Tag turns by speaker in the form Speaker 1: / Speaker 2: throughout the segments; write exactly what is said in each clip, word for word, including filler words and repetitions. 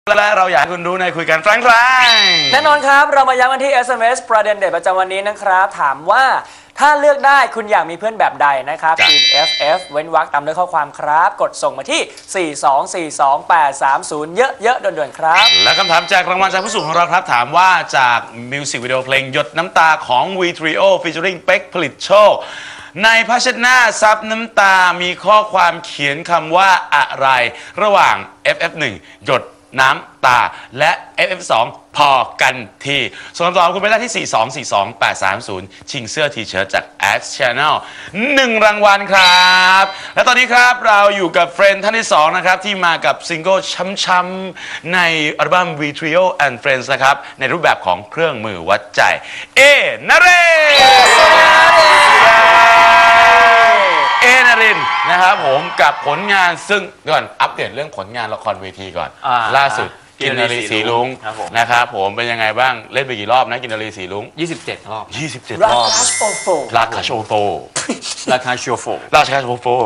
Speaker 1: และเราอยากให้คุณรู้ในคุยกันแฟรงๆ
Speaker 2: แน่นอนครับเรามาย้ำกันที่ เอส เอ็ม เอส ประเด็นเด็ดประจำวันนี้นะครับถามว่าถ้าเลือกได้คุณอยากมีเพื่อนแบบใดนะครับพิมพ์ เอฟ เอฟ เว้นวรรคตามด้วยข้อความครับกดส่งมาที่สี่สองสี่สองแปดสามศูนย์เยอะๆด่วนๆครับ
Speaker 1: และคำถามจากรางวัลจากผู้สูงของเราครับถามว่าจากมิวสิกวิดีโอเพลงหยดน้ำตาของ วี Trio featuring เป๊กผลิตโชคในภาชนะซับน้ำตามีข้อความเขียนคำว่าอะไรระหว่าง เอฟ เอฟ หนึ่ง หยดน้ำตาและ เอฟ เอฟ สอง พอกันทีส่วนคำตอบคุณไปได้ที่ สี่สองสี่สองแปดสามศูนย์ ชิงเสื้อทีเชิ้ตจาก X Channel หนึ่งรางวัลครับและตอนนี้ครับเราอยู่กับเฟรนด์ท่านที่สองนะครับที่มากับซิงเกิลช้ำๆในอัลบั้ม วี Trio and Friends นะครับในรูปแบบของเครื่องมือวัดใจเอนเรเอนรินนะครับผมกับผลงานซึ่งก่อนอัปเดตเรื่องผลงานละครเวทีก่อนล่าสุดกินนารีสีลุงนะครับผมเป็นยังไงบ้างเล่นไปกี่รอบนะกินนารีสีลุง
Speaker 3: ยี่สิบเจ็ดรอบ
Speaker 1: ยี่สิบเจ็ด
Speaker 2: รอบ
Speaker 1: ราคาโชโฟ
Speaker 3: ราคาโชโฟ
Speaker 1: ราคาโชโฟ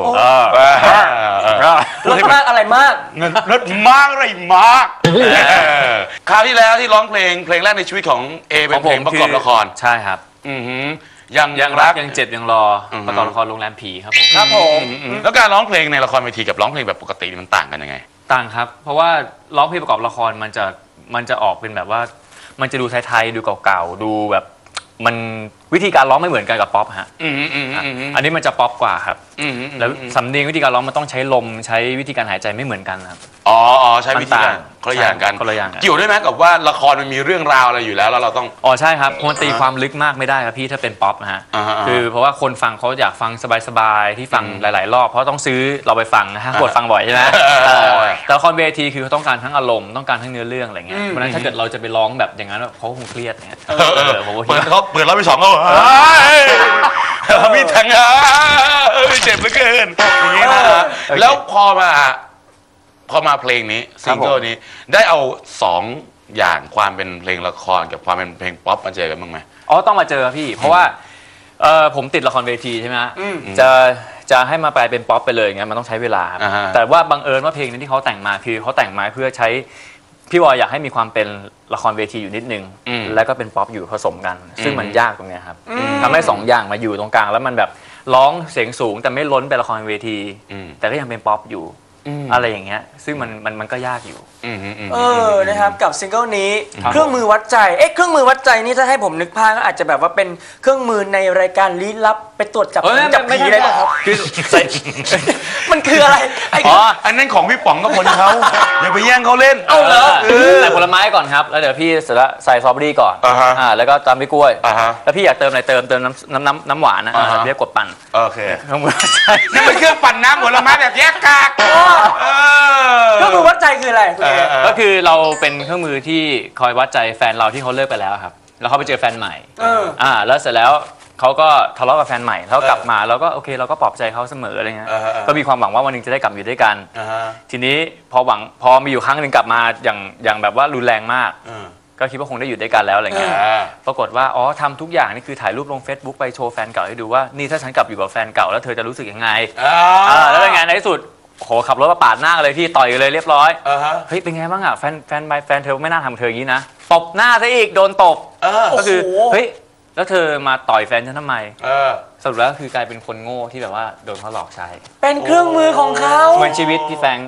Speaker 2: รถมากอะไรมาก
Speaker 1: เงินรถมากอะไรมากคราวที่แล้วที่ร้องเพลงเพลงแรกในชีวิตของเอเป็นเพลงประกอบละคร
Speaker 3: ใช่ครับ
Speaker 1: อือหือยัง
Speaker 3: ยังรักยังเจ็บยังรอประกอบละครโรงแรมผีครับผม
Speaker 2: ครับผม
Speaker 1: แล้วการร้องเพลงในละครเวทีกับร้องเพลงแบบปกติมันต่างกันยังไง
Speaker 3: ต่างครับเพราะว่าร้องเพลงประกอบละครมันจะมันจะออกเป็นแบบว่ามันจะดูไทยๆดูเก่าๆดูแบบมันวิธีการร้องไม่เหมือนกันกับป๊อปฮะอันนี้มันจะป๊อปกว่าครับแล้วสำเนียงวิธีการร้องมันต้องใช้ลมใช้วิธีการหายใจไม่เหมือนกันครับ
Speaker 1: อ๋อใช้วิธีการคนละอย่างกัน
Speaker 3: คนละอย่าง
Speaker 1: เกี่ยวด้วยไหมกับว่าละครมันมีเรื่องราวอะไรอยู่แล้วแล้วเราต้อง
Speaker 3: อ๋อใช่ครับมันตีความลึกมากไม่ได้ครับพี่ถ้าเป็นป๊อปนะฮะคือเพราะว่าคนฟังเขาอยากฟังสบายๆที่ฟังหลายๆรอบเพราะต้องซื้อเราไปฟังนะฮะกดฟังบ่อยใช่ไหมแต่ละครเวทีคือเขาต้องการทั้งอารมณ์ต้องการทั้งเนื้อเรื่องอะไรเงี้ยเพราะฉะนั้นถ้าเกิดเราจะไปร้องแบบอย่างนั้นเขาคงเครียดเนี่ย
Speaker 1: เปิดเขาเปิดรอบที่สองเขามีทั้งเจ็บเหลือเกินอย่างนี้นะแล้วพอมาพอมาเพลงนี้ซิงเกิลนี้ได้เอาสองอย่างความเป็นเพลงละครกับความเป็นเพลงป๊อปมาเจอกันบ้างไหม
Speaker 3: อ๋อต้องมาเจอพี่เพราะว่าผมติดละครเวทีใช่ไหมจะจะให้มาแปลเป็นป๊อปไปเลยงั้นมันต้องใช้เวลาแต่ว่าบังเอิญว่าเพลงนี้ที่เขาแต่งมาคือเขาแต่งมาเพื่อใช้พี่วอยอยากให้มีความเป็นละครเวทีอยู่นิดนึงแล้วก็เป็นป๊อปอยู่ผสมกันซึ่งมันยากตรงนี้ครับทำให้สองอย่างมาอยู่ตรงกลางแล้วมันแบบร้องเสียงสูงแต่ไม่ล้นเป็นละครเวทีแต่ก็ยังเป็นป๊อปอยู่อะไรอย่างเงี้ยซึ่งมันมันมันก็ยากอยู่
Speaker 2: เออนะครับกับซิงเกิลนี้เครื่องมือวัดใจเอ๊ะเครื่องมือวัดใจนี่ถ้าให้ผมนึกภาพก็อาจจะแบบว่าเป็นเครื่องมือในรายการลี้ลับไปตรวจจับจับผีได้ป่ะครับคือมันคืออะไร
Speaker 1: อ๋ออันนั้นของพี่ป๋องกับคนเขาอย่าไปแย่งเขาเล่น
Speaker 2: เอาเหรอ
Speaker 3: ใส่ผลไม้ก่อนครับแล้วเดี๋ยวพี่เสร็จแล้วใส่สตรอเบอรี่ก่อนอ่าแล้วก็ตามด้วยกล้วยแล้วพี่อยากเติมอะไรเติมเติมน้ำน้ำน้ำน้ำหวานนะเรียกกดปั่น
Speaker 1: โอเคนั่นเป็นเครื่องปั่นน้ำผลไม้แบบแยกกาก
Speaker 2: เครื่องมือวัดใจคืออะไร
Speaker 3: ก็คือเราเป็นเครื่องมือที่คอยวัดใจแฟนเราที่เขาเลิกไปแล้วครับแล้วเขาไปเจอแฟนใหม่อ่าแล้วเสร็จแล้วเขาก็ทะเลาะกับแฟนใหม่แล้วกลับมาเราก็โอเคเราก็ปลอบใจเขาเสมออะไรเงี้ยก็มีความหวังว่าวันนึงจะได้กลับอยู่ด้วยกันทีนี้พอหวังพอมีอยู่ครั้งหนึ่งกลับมาอย่างอย่างแบบว่ารุนแรงมากก็คิดว่าคงได้อยู่ด้วยกันแล้วอะไรเงี้ยปรากฏว่าอ๋อทำทุกอย่างนี่คือถ่ายรูปลง Facebook ไปโชว์แฟนเก่าให้ดูว่านี่ถ้าฉันกลับอยู่กับแฟนเก่าแล้วเธอจะรู้สึกยังไงแล้วเป็นไงในที่สุดโหขับรถมาปาดหน้าเลยพี่ต่อยเลยเรียบร้อยเฮ้ยเป็นไงบ้างอ่ะแฟนแฟนแฟนเธอไม่น่าทำเธออย่างนี้นะตบหน้าซะอีกโดนตบก็คือเฮ้ยแล้วเธอมาต่อยแฟนฉันทำไมสรุปแล้วคือกลายเป็นคนโง่ที่แบบว่าโดนเขาหลอกใช้
Speaker 2: เป็นเครื่องมือของเขา
Speaker 3: เหมือนชีวิตพี่แฟง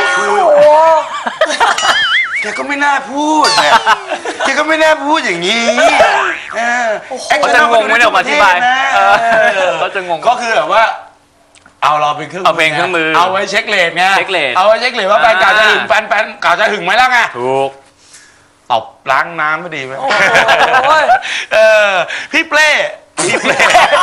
Speaker 1: แกก็ไม่น่าพูดแกก็ไม่น่าพูดอย่างนี้
Speaker 3: เขาจะงงไม่ได้ออกมาอธิบายเขาจะงง
Speaker 1: ก็คือแบบว่าเอาเราเป็นเครื่อง
Speaker 3: เอาเป็นเครื่องมือ
Speaker 1: เอาไว้เช็คเลทไง
Speaker 3: เช็คเลท
Speaker 1: เอาไว้เช็คเลทว่าแฟนเก่าจะหึงแฟนแฟนเก่าจะหึงไหมล่ะไง
Speaker 3: ถูก
Speaker 1: ตบล้างน้ำไม่ดีไหมเออพี่เป้พี่เป้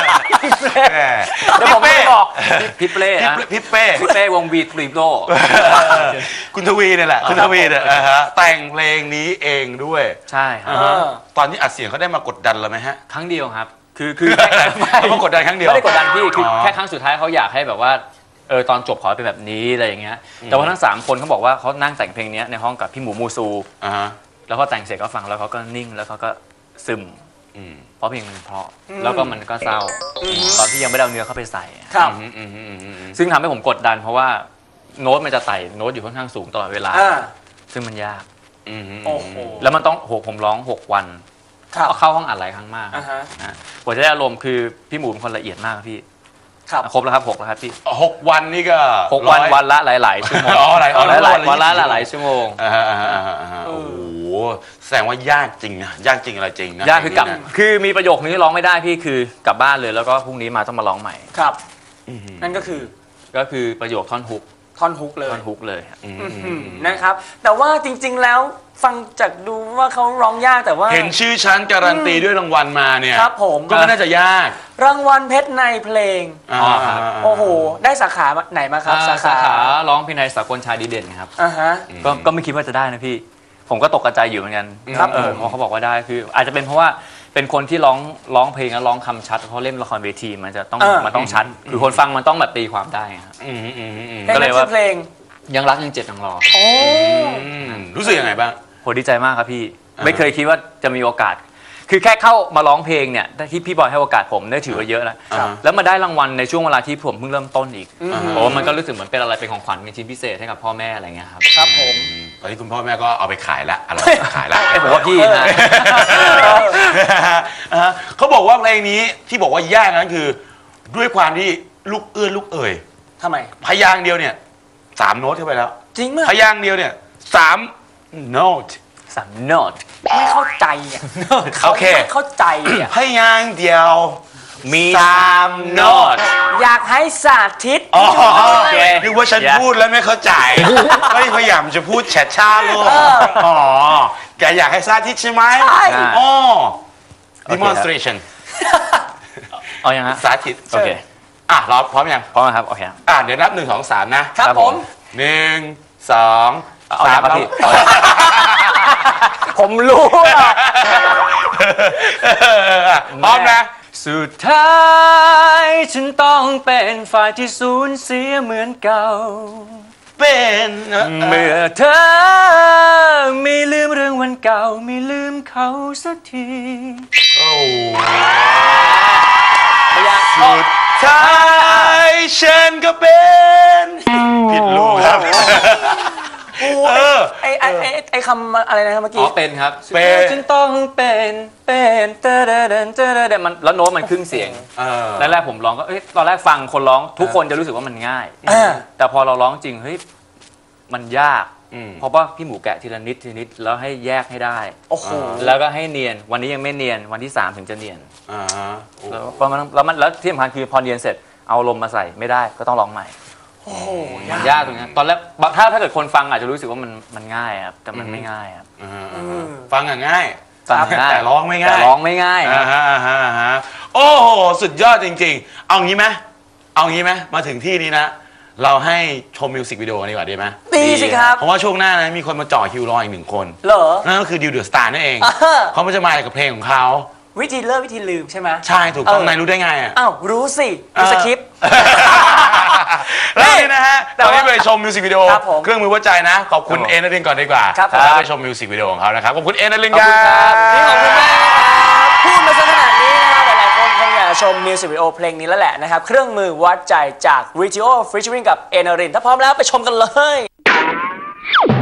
Speaker 3: แล้วผมไม่บอกพี่เป้
Speaker 1: พี่เป้
Speaker 3: พี่เป้วงวีทรีโด
Speaker 1: คุณทวีเนี่ยแหละคุณทวีเนี่ยแต่งเพลงนี้เองด้วย
Speaker 3: ใช่ครับ
Speaker 1: ตอนนี้อัดเสียงเขาได้มากดดันเราไหมฮะ
Speaker 3: ครั้งเดียวครับคือคือ
Speaker 1: ไม่กดดันครั้งเดียว
Speaker 3: ไม่ได้กดดันพี่คือแค่ครั้งสุดท้ายเขาอยากให้แบบว่าเออตอนจบขอเป็นแบบนี้อะไรอย่างเงี้ยแต่ว่าทั้งสามคนเขาบอกว่าเขานั่งแต่งเพลงนี้ในห้องกับพี่หมูมูซูแล้วเขาแต่งเสร็จก็ฟังแล้วเขาก็นิ่งแล้วเขาก็ซึมเพราะเพลงมันเพราะแล้วก็มันก็เศร้าตอนที่ยังไม่ได้เอาเนื้อเข้าไปใส่ซึ่งทำให้ผมกดดันเพราะว่าโน้ตมันจะไต่โน้ตอยู่ค่อนข้างสูงตลอดเวลาซึ่งมันยาก
Speaker 1: อืม
Speaker 2: โอ้โห
Speaker 3: แล้วมันต้องโหผมร้องหกวัน
Speaker 2: ครับ
Speaker 3: เข้าห้องอัดหลายครั้งมาก
Speaker 2: อ่าฮะ
Speaker 3: นะกว่าจะได้อารมณ์คือพี่หมูเป็นคนละเอียดมากครับพี่
Speaker 2: ครับ
Speaker 3: ครบแล้วครับหกแล้วครับพี่
Speaker 1: หกวันนี่ก็
Speaker 3: หกวัน
Speaker 1: ร้อย
Speaker 3: วันละหลาย ๆ ชั่วโมง
Speaker 1: อ๋อหลาย
Speaker 3: วันละหลาย
Speaker 1: วั
Speaker 3: วัน น
Speaker 1: ละ
Speaker 3: ละ
Speaker 1: ยี่สิบ
Speaker 3: หลายๆชั่วโมง
Speaker 1: อ่าฮะอ่าฮะอ่าฮะอ่าฮะโอ้โหแสดงว่ายากจริงนะยากจริงอะไรจริงนะ
Speaker 3: ยากคือกลับ
Speaker 1: เพลงนี้นะ
Speaker 3: คือมีประโยคนี้ร้องไม่ได้พี่คือกลับบ้านเลยแล้วก็พรุ่งนี้มาต้องมาร้องใหม่
Speaker 2: ครับ นั่นก็คือ
Speaker 3: ก็คือประโยคท่อนฮุก
Speaker 2: ท่อนฮุกเลย
Speaker 3: ท่อนฮุกเลยครับ
Speaker 1: อืม
Speaker 2: อืมนะครับ แต่ว่าจริงๆแล้วฟังจากดูว่าเขาร้องยากแต่ว่า
Speaker 1: เห็นชื่อชั้นการันตีด้วยรางวัลมาเนี่ย
Speaker 2: ครับผม
Speaker 1: ก็ไม่น่าจะยาก
Speaker 2: รางวัลเพชรในเพลง
Speaker 3: อ๋อครับ
Speaker 2: โอ้โห ได้สาขาไหนมาครับ
Speaker 3: อ่า
Speaker 2: สา
Speaker 3: สา
Speaker 2: ขา
Speaker 3: ขาร้องเพลงไทยสากลชายดีเด่นครับ
Speaker 2: อ่าฮะ
Speaker 3: ก็ก็ไม่คิดว่าจะได้นะพี่ ผมก็ตกกระจายอยู่เหมือนกัน
Speaker 2: ครับ
Speaker 3: เออ
Speaker 2: ผม
Speaker 3: เพราะเขาบอกว่าได้คือ อาจจะเป็นเพราะว่าเป็นคนที่ร้องร้องเพลงแล้วร้องคำชัดเพราะเล่นละครเวทีมันจะต้อง
Speaker 2: เออ
Speaker 3: มันต้องชัดคือคนฟังมันต้องแบบตีความได้ครับ
Speaker 1: อืมอืมอืมอืม
Speaker 2: เพลง
Speaker 3: ก็เล
Speaker 2: นั้
Speaker 3: ย
Speaker 2: น
Speaker 3: ว่า
Speaker 2: ชื่อเพลง
Speaker 3: ยังรักยังเจ็บยังรอ
Speaker 2: โอ้
Speaker 1: อืมรู้สึกยังไงบ้าง
Speaker 3: โหดีใจมากครับพี่
Speaker 1: อ่า
Speaker 3: ไม่เคยคิดว่าจะมีโอกาส คือแค่เข้ามาร้องเพลงเนี่ยที่พี่บอยให้โอกาสผมได้ถือว่าเยอะแล้ว
Speaker 1: ครับ
Speaker 3: แล้วมาได้รางวัลในช่วงเวลาที่ผมเพิ่งเริ่มต้นอีก
Speaker 2: อืม
Speaker 3: โอ้มันก็รู้สึกเหมือนเป็นอะไรเป็นของขวัญเป็นชิ้นพิเศษให้กับพ่อแม่อะไรเงี้ยครับ
Speaker 2: ครับผม
Speaker 1: ตอนนี้คุณพ่อแม่ก็เอาไปขายละอร่อยขายละ
Speaker 3: ไอ้ยผมว่าพี่นะ
Speaker 1: อ่าฮะเขาบอกว่าเพลงนี้ที่บอกว่ายากนั้นคือ ด้วยความที่ลูกเอื้อนลูกเอ่ย
Speaker 2: ทำไม
Speaker 1: พยางค์เดียวเนี่ยสามโน้ตเข้าไปแล้ว
Speaker 2: จริงมั้ย
Speaker 1: พยางค์เดียวเนี่ยสามโน้ต
Speaker 3: สามโนด
Speaker 2: ไม่เข้าใจอ่ะ
Speaker 1: โอเค
Speaker 2: ไม่เข้าใจอ่ะ
Speaker 1: พยางค์เดียวมี
Speaker 3: สามโน้ต
Speaker 2: อยากให้สาธิต
Speaker 1: อ๋อ
Speaker 3: โอเค
Speaker 1: นึกว่าฉันพูดแล้วไม่เข้าใจไม่พยายามจะพูดแฉะชาโลกอ๋อแกอยากให้สาธิตใช่ไหม
Speaker 2: ใช่
Speaker 1: อ๋อ
Speaker 3: โอเคครับ
Speaker 1: demonstration
Speaker 3: เอายังฮะ
Speaker 1: สาธิต
Speaker 3: โอเค
Speaker 1: อ่ะเราพร้อมยัง
Speaker 3: พร้อมนะครับโอเคครับ
Speaker 1: อ่ะเดี๋ยวนับหนึ่งสองสามนะครับ
Speaker 2: ผม
Speaker 1: หนึ่งสอง
Speaker 3: เอา
Speaker 1: สา
Speaker 3: ยั
Speaker 1: ม
Speaker 3: งครับพี่
Speaker 2: ผมรู้อ่ะ
Speaker 1: อ่ะพร้อมนะ
Speaker 3: สุดท้ายฉันต้องเป็นฝ่ายที่สูญเสียเหมือนเก่า
Speaker 1: เป็นเอ่อ
Speaker 3: เมื่อเธอไม่ลืมเรื่องวันเก่าไม่ลืมเขาสักที
Speaker 1: โอ้
Speaker 2: อยาก
Speaker 1: สุดท้ายฉันก็เป็นผิดลูกครับ
Speaker 2: โอ้
Speaker 1: เออ
Speaker 2: ไอไอไอไอคำอะไรนะครับเมื่อ
Speaker 3: อ๋
Speaker 2: กี้
Speaker 3: อเป็นครับ
Speaker 1: เป็น
Speaker 3: ฉันต้องเป็นเป็นเตอเดเดนเตอเดเดนมันแล้วโน้ตมันครึ่งเสียง
Speaker 1: เออ
Speaker 3: แรกๆผมร้องก็เอ้ยตอนแรกฟังคนร้องทุกคนจะรู้สึกว่ามันง่าย
Speaker 2: อ่า
Speaker 3: แต่พอเราร้องจริงเฮ้ยมันยาก
Speaker 1: อืม
Speaker 3: เพราะว่าพี่หมูแกะทีละนิดทีละนิดแล้วให้แยกให้ได้
Speaker 2: โอ้โห
Speaker 3: แล้วก็ให้เนียนวันนี้ยังไม่เนียนวันที่สามถึงจะเนียน
Speaker 1: อ่าโอ้
Speaker 3: แล้วพอมันแล้วมันแล้วที่สำคัญคือพอเนียนเสร็จเอาลมมาใส่ไม่ได้ก็ต้องร้องใหม่
Speaker 2: โอ้โห
Speaker 3: มันยากตรงนี้ตอนแรกบางถ้าถ้าเกิดคนฟังอาจจะรู้สึกว่ามันมันง่ายครับแต่มันไม่ง่ายครับ
Speaker 1: อ่าอ่าอ่าฟังอ่ะง่าย
Speaker 3: ฟังง่าย
Speaker 1: แต่ร้องไม่ง่าย
Speaker 3: แต่ร้องไม่ง่ายค
Speaker 1: อ่า
Speaker 3: รับ
Speaker 1: ฮะอ่าฮะอ่าฮะโอ้โหสุดยอดจริงๆ เอางี้ไหมเอางี้ไหมมาถึงที่นี้นะ เราให้ชมมิวสิกวิดีโอดีกว่าดีไหม
Speaker 2: ดีสิครับ
Speaker 1: เพราะว่าช่วงหน้านะมีคนมาจ่อคิวรออีกหนึ่งคน
Speaker 2: เหรอ
Speaker 1: นั่นก็คือดิวเดอะสตาร์นั่นเอง
Speaker 2: อ่าฮะ
Speaker 1: เขาไม่จะมากับเพลงของเขา
Speaker 2: วิธีเลิกวิธีลืมใช่ไหม
Speaker 1: ใช่ถูกต้อง
Speaker 2: เออ
Speaker 1: นายรู้ได้ไงอ่ะ
Speaker 2: อ้าวรู้สิดูสคริปต์
Speaker 1: แล้วนี่นะฮะ
Speaker 2: แต่
Speaker 1: ตอน
Speaker 2: ว่า
Speaker 1: นี้ไปชมมิวสิกวิดีโอ
Speaker 2: ครับผม
Speaker 1: เครื่องมือวัดใจนะ ขอบคุณ
Speaker 3: ครับผม
Speaker 1: เอ็นนารินก่อนดีกว่า
Speaker 2: ครับผม
Speaker 1: แล้วไปชมมิวสิกวิดีโอของเขานะครับ ขอบคุณเอ็นนาริน
Speaker 3: ขอบคุณครับ
Speaker 2: นี่ขอบคุณมากนะครับพูดมาซะขนาดนี้นะครับหลายๆคนคงอยากชมมิวสิกวิดีโอเพลงนี้แล้วแหละนะครับ เครื่องมือวัดใจจาก Ritio featuring กับเอนารินถ้าพร้อมแล้วไปชมกันเลย